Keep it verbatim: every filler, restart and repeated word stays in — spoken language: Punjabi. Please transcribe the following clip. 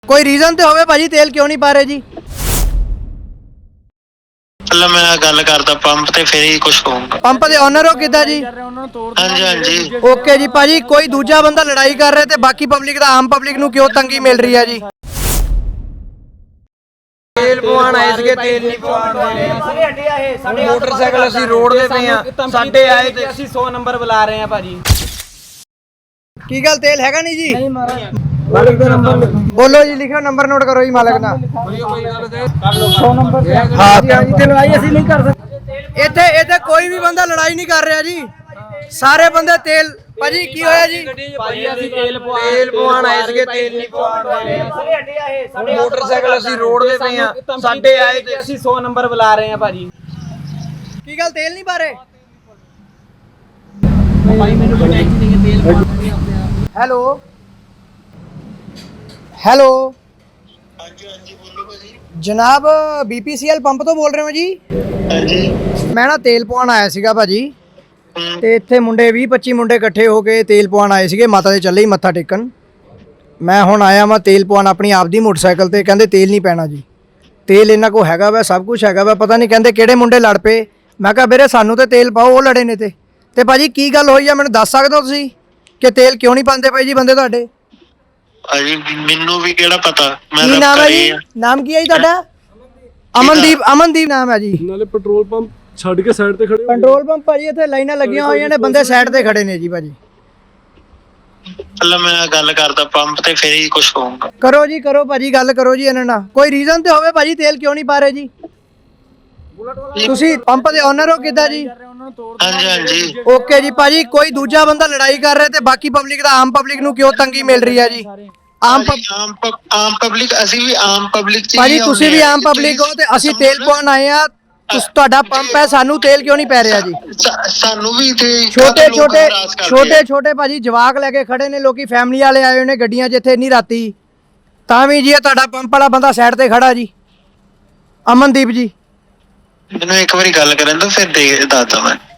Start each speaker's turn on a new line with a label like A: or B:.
A: ਕੋਈ ਰੀਜ਼ਨ ਤੇ ਹੋਵੇ ਭਾਜੀ ਤੇਲ ਕਿਉਂ ਨਹੀਂ ਪਾ ਰਹੇ ਜੀ?
B: ਪਹਿਲਾਂ ਮੈਂ ਗੱਲ ਕਰਦਾ ਪੰਪ ਤੇ ਫਿਰ ਹੀ ਕੁਝ ਹੋਊਗਾ।
A: ਪੰਪ ਦੇ ਓਨਰ ਹੋ ਕਿੱਦਾਂ ਜੀ?
B: ਹਾਂਜੀ ਹਾਂਜੀ
A: ਓਕੇ ਜੀ ਭਾਜੀ, ਕੋਈ ਦੂਜਾ ਬੰਦਾ ਲੜਾਈ ਕਰ ਰਿਹਾ ਤੇ ਬਾਕੀ ਪਬਲਿਕ ਦਾ ਆਮ ਪਬਲਿਕ ਨੂੰ ਕਿਉਂ ਤੰਗੀ ਮਿਲ ਰਹੀ ਹੈ ਜੀ?
C: ਤੇਲ ਪਵਾਉਣ ਆਏ ਸੀਗੇ, ਤੇਲ ਨਹੀਂ ਪਵਾਉਣ ਦੇ ਰਹੇ।
D: ਸਾਰੇ ਅੱਡੇ ਆ ਇਹ ਸਾਡੇ
C: ਮੋਟਰਸਾਈਕਲ ਅਸੀਂ ਰੋਡ ਦੇ ਪਏ ਆ, ਸਾਡੇ ਆਏ ਤੇ
D: ਅਸੀਂ ਸੌ ਨੰਬਰ ਬੁਲਾ ਰਹੇ ਆ ਭਾਜੀ।
A: ਕੀ ਗੱਲ ਤੇਲ ਹੈਗਾ ਨਹੀਂ ਜੀ?
C: ਮਾਲਕ ਦਾ ਨੰਬਰ
A: ਬੋਲੋ ਜੀ, ਲਿਖਿਓ ਨੰਬਰ ਨੋਟ ਕਰੋ ਜੀ ਮਾਲਕ ਦਾ।
C: ਸੌ ਨੰਬਰ ਹਾਂ ਜੀ ਹਾਂਜੀ, ਤੇ ਲੜਾਈ ਅਸੀਂ ਨਹੀਂ ਕਰ ਸਕਦੇ।
A: ਇੱਥੇ ਇੱਥੇ ਕੋਈ ਵੀ ਬੰਦਾ ਲੜਾਈ ਨਹੀਂ ਕਰ ਰਿਹਾ ਜੀ, ਸਾਰੇ ਬੰਦੇ ਤੇਲ। ਭਾਜੀ ਕੀ ਹੋਇਆ ਜੀ?
D: ਭਾਜੀ ਅਸੀਂ ਤੇਲ ਪਵਾ
C: ਤੇਲ ਪਵਾਉਣ ਆਏ ਸੀਗੇ, ਤੇਲ ਨਹੀਂ ਪਵਾਉਣ ਦੇ ਰਹੇ।
D: ਸਾਰੇ ਅੱਡੇ ਆ ਇਹ ਸਾਡੇ
C: ਮੋਟਰਸਾਈਕਲ ਅਸੀਂ ਰੋਡ ਦੇ ਪਏ ਆ, ਸਾਡੇ ਆਏ ਤੇ
D: ਅਸੀਂ ਸੌ ਨੰਬਰ ਬੁਲਾ ਰਹੇ ਆ ਭਾਜੀ।
A: ਕੀ ਗੱਲ ਤੇਲ ਨਹੀਂ ਪਾ ਰਹੇ?
D: ਭਾਈ ਮੈਨੂੰ ਕੋਈ ਟੈਂਸ਼ਨ ਨਹੀਂ ਹੈ, ਤੇਲ ਪਵਾ
A: ਹੈਲੋ ਹੈਲੋ
B: ਹਾਂਜੀ ਹਾਂਜੀ ਬੋਲੋ ਭਾਜੀ।
A: ਜਨਾਬ ਬੀਪੀਸੀਐਲ ਪੰਪ ਤੋਂ ਬੋਲ ਰਹੇ ਹੋ ਜੀ?
B: ਹਾਂਜੀ
A: ਮੈਂ ਨਾ ਤੇਲ ਪਵਾਉਣ ਆਇਆ ਸੀਗਾ ਭਾਜੀ,
B: ਹਮ,
A: ਤੇ ਇੱਥੇ ਮੁੰਡੇ ਵੀਹ ਪੱਚੀ ਮੁੰਡੇ ਇਕੱਠੇ ਹੋ ਕੇ ਤੇਲ ਪਵਾਉਣ ਆਏ ਸੀਗੇ, ਮਾਤਾ ਦੇ ਚੱਲੇ ਹੀ ਮੱਥਾ ਟੇਕਣ। ਮੈਂ ਹੁਣ ਆਇਆ ਮੈਂ ਤੇਲ ਪਵਾਉਣ ਆਪਣੀ ਆਪਦੀ ਮੋਟਰਸਾਈਕਲ ਤੇ, ਕਹਿੰਦੇ ਤੇਲ ਨਹੀਂ ਪੈਣਾ ਜੀ। ਤੇਲ ਇਹਨਾਂ ਕੋ ਹੈਗਾ ਵਾ, ਸਭ ਕੁਝ ਹੈਗਾ ਵਾ, ਪਤਾ ਨਹੀਂ ਕਹਿੰਦੇ ਕਿਹੜੇ ਮੁੰਡੇ ਲੜ ਪਏ। ਮੈਂ ਕਿਹਾ ਵੀਰੇ ਸਾਨੂੰ ਤੇ ਤੇਲ ਪਾਓ, ਉਹ ਲੜੇ ਨੇ ਤੇ ਤੇ ਭਾਜੀ ਕੀ ਗੱਲ ਹੋਈ ਆ ਮੈਨੂੰ ਦੱਸ ਸਕਦੇ ਹੋ ਤੁਸੀਂ ਕਿ ਤੇਲ ਕਿਉਂ ਨਹੀਂ ਪਾਉਂਦੇ ਪਏ ਜੀ ਬੰਦੇ ਤੁਹਾਡੇ?
B: ਭਾਜੀ ਮੈਨੂੰ ਵੀ ਕਿਹੜਾ ਪਤਾ, ਮੈਂ
A: ਕੀ
B: ਤਾਂ
A: ਨਾਮ ਹੈ
B: ਘਰੇ
A: ਜੀ?
B: ਆ।
A: ਨਾਮ ਕੀ ਹੈ ਜੀ ਤੁਹਾਡਾ? ਅਮਨਦੀਪ। ਅਮਨਦੀਪ ਨਾਮ ਹੈ ਜੀ।
E: ਨਾਲੇ ਪੈਟਰੋਲ ਪੰਪ ਛੱਡ ਕੇ ਸਾਈਡ ਤੇ ਖੜੇ ਹੋ ਗਏ।
A: ਪੈਟਰੋਲ ਪੰਪ ਭਾਜੀ ਇੱਥੇ ਲਾਈਨਾਂ ਲੱਗੀਆਂ ਹੋਈਆਂ ਨੇ, ਬੰਦੇ ਸਾਈਡ ਤੇ ਖੜੇ ਨੇ ਜੀ ਭਾਜੀ।
B: ਪਹਿਲਾਂ ਮੈਂ ਗੱਲ ਕਰਦਾ ਪੰਪ ਤੇ ਫਿਰ ਹੀ ਕੁਝ ਹੋਊਗਾ।
A: ਕਰੋ ਜੀ ਕਰੋ ਭਾਜੀ, ਗੱਲ ਕਰੋ ਜੀ ਇਹਨਾਂ ਨਾਲ। ਕੋਈ ਰੀਜ਼ਨ ਤੇ ਹੋਵੇ ਭਾਜੀ ਤੇਲ ਕਿਉਂ ਨਹੀਂ ਪਾ ਰਹੇ ਜੀ? ਤੁਸੀਂ ਪੰਪ ਦੇ ਓਨਰ ਹੋ ਕਿੱਦਾਂ ਜੀ?
B: ਹਾਂਜੀ ਹਾਂਜੀ
A: ਓਕੇ ਜੀ ਭਾਜੀ, ਕੋਈ ਦੂਜਾ ਬੰਦਾ ਲੜਾਈ ਕਰ ਰਿਹਾ ਤੇ ਬਾਕੀ ਪਬਲਿਕ ਦਾ ਆਮ ਪਬਲਿਕ ਨੂੰ ਕਿਉਂ ਤੰਗੀ ਮਿਲ ਰਹੀ ਹੈ ਜੀ? ਆਮ
B: ਭਾਜੀ, ਆਮ ਪਬ- ਆਮ ਪਬਲਿਕ ਅਸੀਂ ਵੀ ਆਮ ਪਬਲਿਕ ਚ ਹੀ
A: ਭਾਜੀ ਤੁਸੀਂ ਵੀ
B: ਆਉਂਦੇ ਆ।
A: ਆਮ ਪਬਲਿਕ ਹੋ ਤੇ ਅਸੀਂ
B: ਸਮਝ
A: ਤੇਲ
B: ਲਓ।
A: ਪਾਉਣ ਆਏ ਆ, ਤੁਸ ਤੁਹਾਡਾ ਪੰਪ ਹੈ, ਸਾਨੂੰ ਤੇਲ ਕਿਉਂ ਨਹੀਂ ਪੈ ਰਿਹਾ ਜੀ?
B: ਸਾ- ਸਾਨੂੰ ਵੀ ਇੱਥੇ
A: ਛੋਟੇ
B: ਲੋਕ
A: ਛੋਟੇ
B: ਹਰਾਸ ਕਰਦੇ ਆ।
A: ਛੋਟੇ ਛੋਟੇ ਭਾਜੀ ਜਵਾਕ ਲੈ ਕੇ ਖੜੇ ਨੇ, ਲੋਕੀ ਫੈਮਿਲੀ ਵਾਲੇ ਆਏ ਹੋਏ ਨੇ ਗੱਡੀਆਂ 'ਚ ਇੱਥੇ ਨਹੀਂ ਰਾਤੀ, ਤਾਂ ਵੀ ਜੀ ਇਹ ਤੁਹਾਡਾ ਪੰਪ ਵਾਲਾ ਬੰਦਾ ਸਾਈਡ ਤੇ ਖੜਾ ਜੀ, ਅਮਨਦੀਪ ਜੀ।
B: ਮੈਨੂੰ ਇੱਕ ਵਾਰੀ ਗੱਲ ਕਰਨ ਦੋ ਫਿਰ ਦੇ ਦੱਸਦਾ ਮੈਂ।